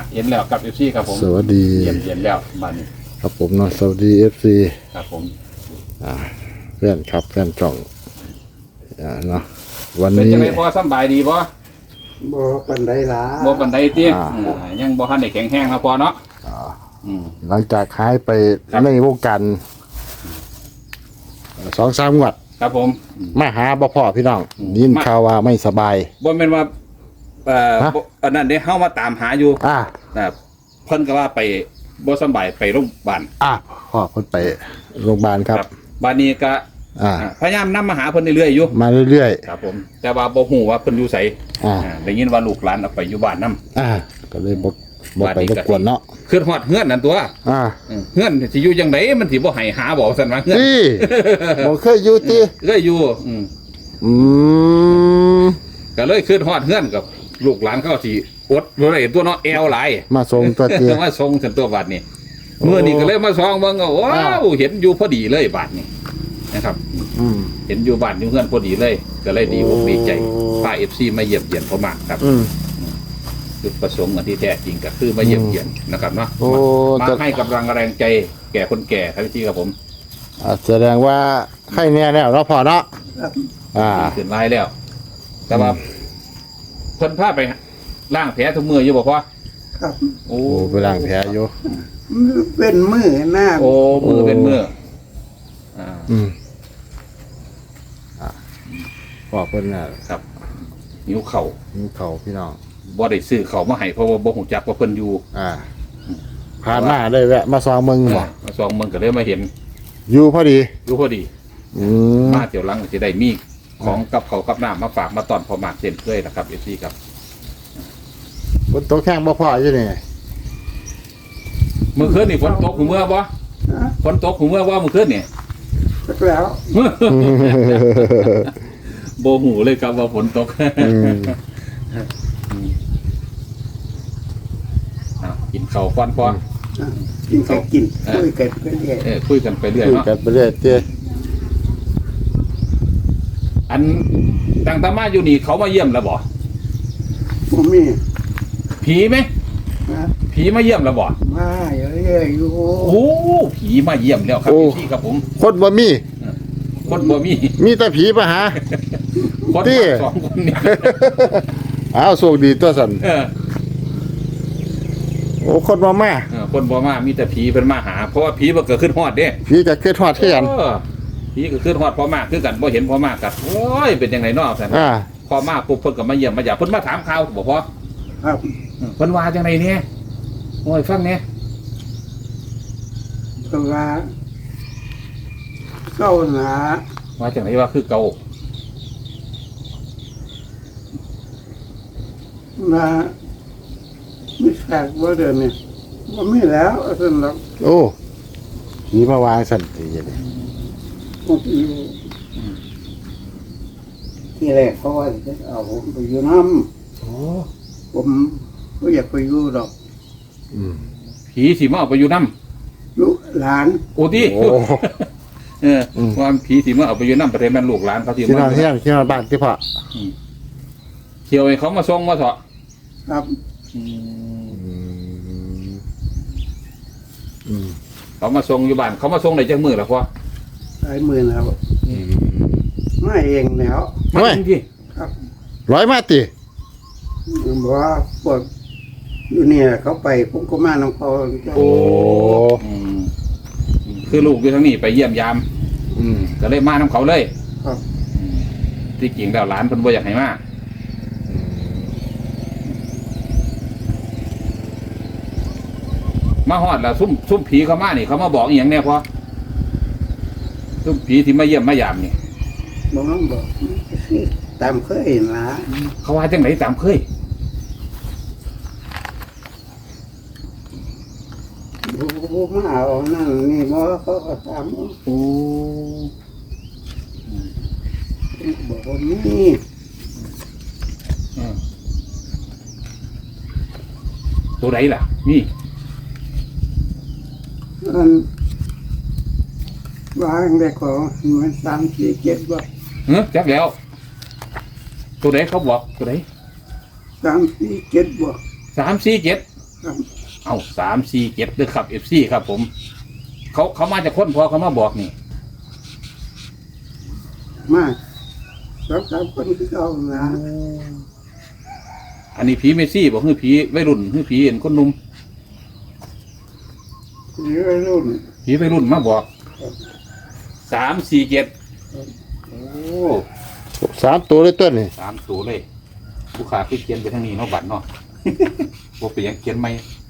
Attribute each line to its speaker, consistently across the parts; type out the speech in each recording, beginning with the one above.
Speaker 1: เห็นแล้วกับเอฟซีครับผม
Speaker 2: สวัสดี
Speaker 1: เย็นแล้วมานี่
Speaker 2: ครับผมเนาะสวัสดีFC
Speaker 1: ครับผม
Speaker 2: เพื่อนครับเพื่อนจ่องเนาะวัน
Speaker 1: เป็น
Speaker 2: นี้
Speaker 1: จังไดพอสบายดีบ่
Speaker 3: บ่ปันไดล่ะ
Speaker 1: บ่ปานใดติ
Speaker 2: อ่า
Speaker 1: ยังบ่ทันได้แข็งแรงนะพอเนาะอืม
Speaker 2: หลังจากหายไป
Speaker 1: ครับ
Speaker 2: ในวงการ2-3 งวด
Speaker 1: ครับผม
Speaker 2: มาหาบ่พ่อพี่น้อง
Speaker 1: อืม
Speaker 2: ยินข่าวว่าไม่สบาย
Speaker 1: บ่แม่นว่า
Speaker 2: ฮะ
Speaker 1: บ่อันนั้นเด้เฮามาตามหาอยู่
Speaker 2: อ่า
Speaker 1: เพิ่นก็ว่าไปบ่สบายไปโรงพยาบาล
Speaker 2: พ่อเพิ่นไปโรงพยาบาลครับ
Speaker 1: บัดนี้ก็ พยายามนำมาหาเพิ่นเรื่อยๆอยู่
Speaker 2: มาเรื่อย
Speaker 1: ครับผม แต่ว่าบ่ฮู้ว่าเพิ่นอยู่ไส ได้ยินว่าลูกหลานเอาไปอยู่บ้านนำ
Speaker 2: ก็เลยบ่ไปรบกวนเนาะ
Speaker 1: คือฮอดเฮือนนั่นตัว เฮือนสิอยู่จังไดมันสิบ่ให้หาบ่ซั่นว่าเฮือน
Speaker 2: นี่บ่เคยอยู่ติ
Speaker 1: ก็อยู่
Speaker 2: อืม
Speaker 1: ก็เลยขึ้นฮอดเฮือนกับลูกหลานเขาสิอดบ่ได้ตัวเนาะแอวหลาย
Speaker 2: มาส่งตัวเตี้ย
Speaker 1: มาส่งฉันตัวบาดนี้เมื่อนี้ก็เลยมาส่องเบิ่งว้าวเห็นอยู่พอดีเลยบาดนี้นะครับ เห็นอยู่บ้านอยู่เฮือนพอดีเลย ก็เลยดีอกดีใจพา FC มาเยี่ยมเยียนพ่อมากครับจุดประสงค์อันที่แท้จริงก็คือมาเยี่ยมเยียนนะครับเนาะมาให้กำลังแรงใจแก่คนแก่ครับพี่ครับผม
Speaker 2: แสดงว่าไข้แน่แล้วเนาะพ่อเนาะ
Speaker 1: ขึ้นไล่แล้ว แต่ว่าเพิ่นพาไปล้างแผลทุกมืออยู่บ่พ่อ
Speaker 3: ครับ
Speaker 1: โอ้
Speaker 2: โอ้ไปล้างแผลอยู่
Speaker 3: เป็นมือหน้า
Speaker 1: โอ้มือเป็นมืออ่า
Speaker 2: พ่อเพิ่นน่ะ
Speaker 1: ครับนิ้วเข่า
Speaker 2: มีเขาพี่น้อง
Speaker 1: บ่ได้ซื้อเข่ามาให้เพราะว่าบ่ฮู้จักว่าเพิ่นอยู่
Speaker 2: ผ่านมาได้แวะมาซองมึงบ่
Speaker 1: มาส่องมันก็เลยมาเห็น
Speaker 2: อยู่พอดี
Speaker 1: อยู่พอดี
Speaker 2: อืม
Speaker 1: มาเที่ยวหลังก็สิได้มีของกับเขาวกับน้ำมาฝากมาตอนพอมากเช่นเคยนะครับ FC ครับ
Speaker 2: บนโต๊ะแข้งบ่พ่ออยู่นี่
Speaker 1: เมื่อคืนนี่ฝนตกหูเมื่อบ่
Speaker 3: นะ
Speaker 1: ฝนตกหูเมื่อว่าเมื่อคืนนี่
Speaker 3: สักแล้ว
Speaker 1: บ่หูเลยครับว่าฝนตก กินข้าวฟันพอ
Speaker 3: กินก็กินคุยกันก็เรื่อย
Speaker 1: คุยกันไปเรื่อย
Speaker 2: คุย
Speaker 1: เนาะ
Speaker 2: กันไปเรื่อยเตี้ย
Speaker 1: อันต่างตามาอยู่นี่เขามาเยี่ยมแล้วบ่
Speaker 3: ผมมี
Speaker 1: ผีไหม
Speaker 3: นะ
Speaker 1: ผีมาเยี่ยมแล้วบ่
Speaker 3: มาเรื่อยๆอยู่
Speaker 1: โอ้ผีมาเยี่ยมแล้วครับพี่ครับผม
Speaker 2: คนบ่มี
Speaker 1: คนบ่มี
Speaker 2: มีแต่ผีมาหา
Speaker 1: คน
Speaker 2: ที่
Speaker 1: มาสองคนนี่
Speaker 2: อ้าวโชคดีตัวสันโอ้คนบ่มา
Speaker 1: คนบ่มามีแต่ผีเป็นมาหา เพราะว่าผีมันเกิดขึ้นฮอดเด้
Speaker 2: ผีจะเกิดฮอดเที่ยน
Speaker 1: ผีก็ขึ้นฮอดพอมากคือกันบ่เห็นพอมากกันโอ้ยเป็นยังไงเนาะซั่นพอมาปุ๊บเพิ่นก็มาเยี่ยมมาหยาเพิ่นมาถามข่าวบ่พอ
Speaker 3: ครับ
Speaker 1: เพิ่นว่าจังไดเนี่ยโอ้ยฟังเนี่ย
Speaker 3: ก็ว่าเก้าหนา
Speaker 1: ว่าจังไดว่าคือเก่า
Speaker 3: มาไม่แขกว่าเดินเนี่ยว่าไม่แล้วสำหรับ
Speaker 2: โอ้ผีมาวางสันติอย่างนี้
Speaker 3: ผมอยู่ที่แรกเขาว่าจะเอาผมไปอยู่น้
Speaker 1: โอ้
Speaker 3: ำผมก็อยากไปอยู่ดอก
Speaker 1: ผีสิมาเอาไปอยู่นำ
Speaker 3: ลูกหลาน
Speaker 1: โอ้ติ
Speaker 2: โอ้
Speaker 1: ว่าผีสิมาเอาไปอยู่นำประเทศแม่นลูกหลานเขาสิ
Speaker 2: ที่น
Speaker 1: มา
Speaker 2: อนเที่ยงที่นอนบ้านที่พ่อ
Speaker 1: เที่ยวให้เขามาส่งมาเถาะ
Speaker 3: ครับ
Speaker 1: เขามาส่งอยู่บ้านเขามาส่งได้จังมื้อล่ะพ่อ
Speaker 3: หลายหมื่นแล้วไม่เองแล้ว
Speaker 1: มาจริงที่
Speaker 3: ครับ
Speaker 2: ร้อยมาติ
Speaker 3: บอกว่าพวกอยู่เนี่ยเขาไปผมก็มาน้องเขา
Speaker 2: โอ้
Speaker 1: คือลูกอยู่ทางนี้ไปเยี่ยมยามก็เลยมานํเขาเลย
Speaker 3: ครับ
Speaker 1: ที่จริงแล้วหลานเพิ่นบ่อยากให้มามาฮอดแล้วซุ่มผีเขามานี่เขามาบอกอีหยังแน่พอซุ่มผีที่มาเยี่ยมมายามนี่
Speaker 3: บอกน้องบอกตามเคยเห็นละ
Speaker 1: เขาว่าจังไหนตามเคย
Speaker 3: บูมาเอานั่นนี่บอกเขาก็ตาม
Speaker 1: โอ้
Speaker 3: บอกว่านี่
Speaker 1: ตัวไหนล่ะนี่
Speaker 3: อันวางได้ของมัน3-4-7บอก
Speaker 1: จักแล้ว ตัวไหนเขาบอกตัวไหน
Speaker 3: 3-4-7บอก
Speaker 1: 3-4-7
Speaker 3: ครับ
Speaker 1: เอา347ด้วยครับ FC ครับผมเขามาจากคนพอเขามาบอกนี่
Speaker 3: มา2-3คนที่เอานะ
Speaker 1: อันนี้ผีเมซี่บอกคือผีวัยรุ่นคือผีเห็นคนหนุ่ม
Speaker 3: ที่วัยรุ่น
Speaker 1: ผีวัยรุ่นมาบอก347โอ้
Speaker 2: 3 ตัวเลยต้นนี่
Speaker 1: 3ตัวเลยผู้ขาคือเขียนไปทางนี้เนาะบัตรเนาะ บ่เป็นหยังเขียนไหม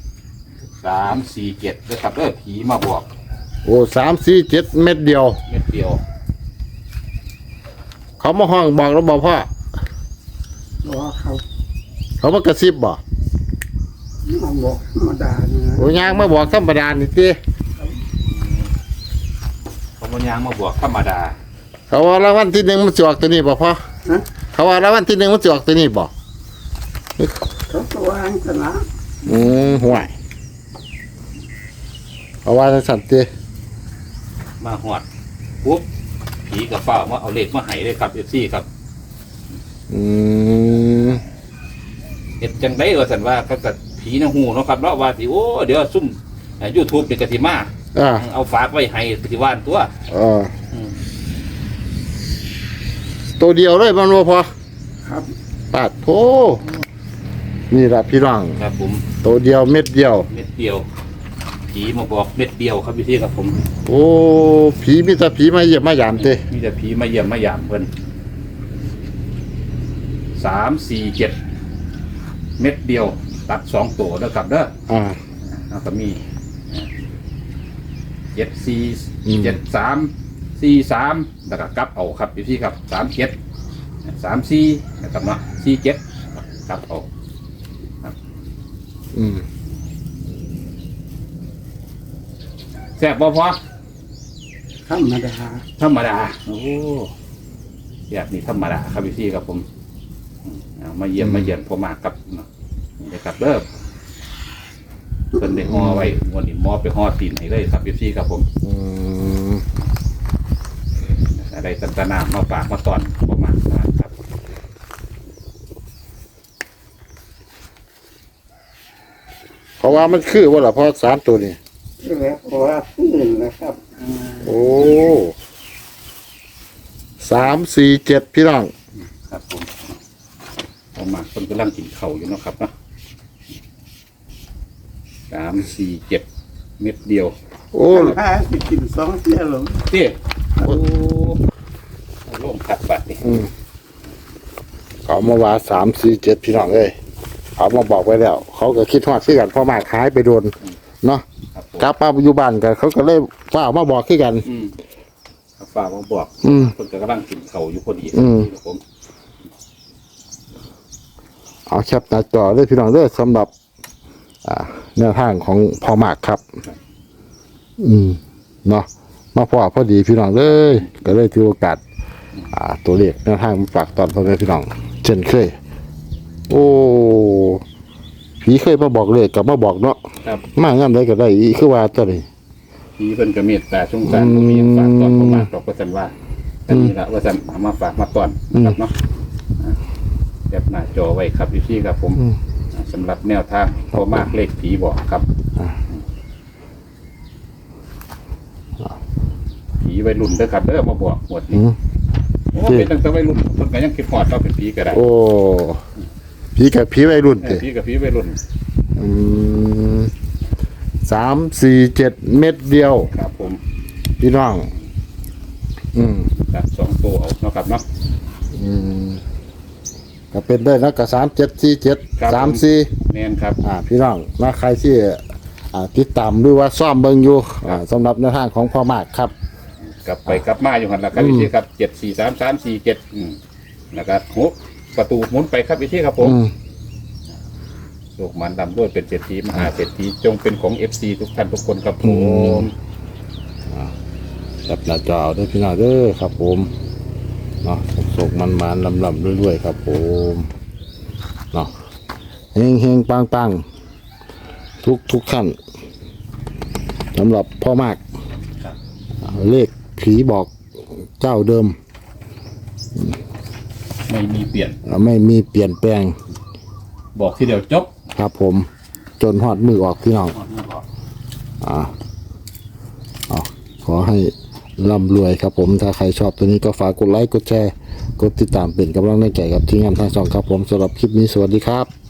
Speaker 1: 347ด้วยครับผีมาบอก
Speaker 2: โอ้3 4 7 เม็ดเดียว
Speaker 1: เม็ดเดียว
Speaker 2: เขามาห้องบอกแล้วบอกพ่อ
Speaker 3: บอกเขา
Speaker 2: เขามากระซิบบ่
Speaker 3: มาบอกธรรมดาเนี่ยนะ
Speaker 2: โอ้ยางมาบอกธรรมดานี่ติ
Speaker 1: เขาบ่ยางมาบอกธรรมดา
Speaker 2: เขาว่ารางวัลที่1มันสิออกตัวนี้บ่พ่อ
Speaker 3: ฮะ
Speaker 2: เขาว่ารางวัลที่1มันสิออกตัวนี้บ่
Speaker 3: เขาก็วางสนะ
Speaker 2: ห่วยเขาว่าจังซั่นติ
Speaker 1: มาหอดปุ๊บผีกับเฝ้ามาเอาเลขมาให้เลยครับ FC ครับ
Speaker 2: อืม
Speaker 1: เฮ็ดจังได๋ว่าซั่นว่าก็กับผีนางหูเนาะครับเนาะว่าสิโอ้เดี๋ยวซุ่มYouTube นี่ก็สิมา
Speaker 2: อ่า
Speaker 1: เอาฝากไว้ให้ที่บ้านตัว อืม
Speaker 2: ตัวเดียวเลยมันบ่พอ
Speaker 3: ครับ
Speaker 2: ปาดโถนี่ล่ะพี่น้อง
Speaker 1: ครับผม
Speaker 2: ตัวเดียวเม็ดเดียว
Speaker 1: เม็ดเดียว ผีมาบอกเม็ดเดียวครับพี่ครับผม
Speaker 2: โอ้ผีมีแต่ผีมาเยี่ยมมายามเต้
Speaker 1: มีแต่ผีมาเยี่ยมมายามเพิ่น347เม็ดเดียว ตัด2ตัวแล้วครับเด้อ
Speaker 2: อ่า
Speaker 1: แล้วก็มี74
Speaker 2: อืม
Speaker 1: 73 43แล้วก็กลับเอาครับพี่ครับ37 34นะครับเนาะ47กลับเอา
Speaker 2: อืม
Speaker 1: แซ่บบ่พอ
Speaker 3: ธรรมดา
Speaker 1: ธรรมดาโอ้แบบนี้ธรรมดาครับพี่ครับผมเอามาเยี่ยมมาเยี่ยมพ่อมากครับนี่นะครับเด้อเพิ่นได้ห่อไว้วันนี้หมอไปห่อตีนให้เลยครับพี่ครับผม
Speaker 2: อืม
Speaker 1: ได้ตันตนามาฝากมาตอนพ่อมากครับ
Speaker 2: เพราะว่ามันคือว่าล่ะพอ3ตัวนี่
Speaker 3: แล้วเพราะว่าพื้นนะครับ
Speaker 2: โอ้3 4 7พี่น้อง
Speaker 1: ครับผมพ่อมากเพิ่นกำลังกินข้าวอยู่เนาะครับเนาะ347เม็ดเดียว
Speaker 2: โอ้
Speaker 3: ถ้าสิกิน2เที่ยวหรอ
Speaker 1: เตี้ยโอ้โล่งขัดบัดนี่
Speaker 2: อืมเขามาว่า3 4 7พี่น้องเอ้ยเขามาบอกไว้แล้ว เขาก็คิดฮอดคือกันพ่อมากหายไปโดนเนาะ
Speaker 1: ครับผม
Speaker 2: กลับมาอยู่บ้านกันเขาก็เลยฟ้ามาบอกคือกัน
Speaker 1: ฝากมาบอก
Speaker 2: อืม
Speaker 1: คนกำลังกินเขาวอยู่พอดี
Speaker 2: อืม
Speaker 1: ครับผม
Speaker 2: เอาแคปหน้าจอเลยพี่น้องเด้อสำหรับ แนวทางของพ่อมากครับ เนาะมาพอดีพี่น้องเลยก็เลยถือโอกาส ตัวเลขแนวทางมาฝากตอนพ่อแม่พี่น้อง เช่นเคย โอ้ผีเคยมาบอกเลขกับมาบอกเนาะ
Speaker 1: ครับ
Speaker 2: มางามได้ก็ได้อีคือว่าตัวนี้
Speaker 1: พี่เพิ่นก็เมตตาสงสารบ่มีหยังฝากตอนประมาณดอกว่าซั่นว่าอันนี้ละว่าซั่นเอามาฝากมาตอนครับเนาะแบบหน้าจอไว้ครับพี่ครับผม
Speaker 2: อืม
Speaker 1: สำหรับแนวทางพอมากเลขผีบอกครับผีวัยรุ่นเด้อครับเด้อมาบอกหมด
Speaker 2: อื
Speaker 1: นี่
Speaker 2: ม
Speaker 1: โอ้เป็นตั้งแต่วัยรุ่นเพิ่นก็ยังคิดฮอดว่าเป็นผีก็ได้
Speaker 2: โอ้ผีกับผีวัยรุ่นเตะ
Speaker 1: ผีกับผีวัยรุ่น
Speaker 2: 3 4 7 เม็ดเดียว
Speaker 1: ครับผม
Speaker 2: พี่น้อง
Speaker 1: ตัด2ตัวเอาเนาะครับเนาะ
Speaker 2: ก็เป็นได้นะกับ3747
Speaker 1: ครับผม
Speaker 2: 34
Speaker 1: แม่นครับ
Speaker 2: พี่น้องนะใครที่ติดตามหรือว่าซ่อมเบิ่งอยู่สำหรับแนวทางของพ่อมากครับ
Speaker 1: กลับไปกลับมาอยู่หั่นล่ะครับพี่ครับ743347แล้วก็6ประตูหมุนไปครับพี่ครับผม โลกมันดำด้วยเป็นเศรษฐีมหาเศรษฐีจงเป็นของ FC ทุกท่านทุกคนครับผม
Speaker 2: จับหน้าจอเอาด้วยพี่น้องเด้อครับผมเนาะสุกมันลำๆรวยๆครับผมเนาะเฮงๆปังๆทุกท่านสำหรับพ่อมากเลขผีบอกเจ้าเดิม
Speaker 1: ไม่มีเปลี่ยน
Speaker 2: ไม่มีเปลี่ยนแปลง
Speaker 1: บอกทีเดียวจบ
Speaker 2: ครับผมจนฮอดมือออกพี่น้องขอให้ร่ำรวยครับผมถ้าใครชอบตัวนี้ก็ฝากกดไลค์กดแชร์กดติดตามเป็นกำลังใจกับทีมงานทางช่องครับผมสำหรับคลิปนี้สวัสดีครับ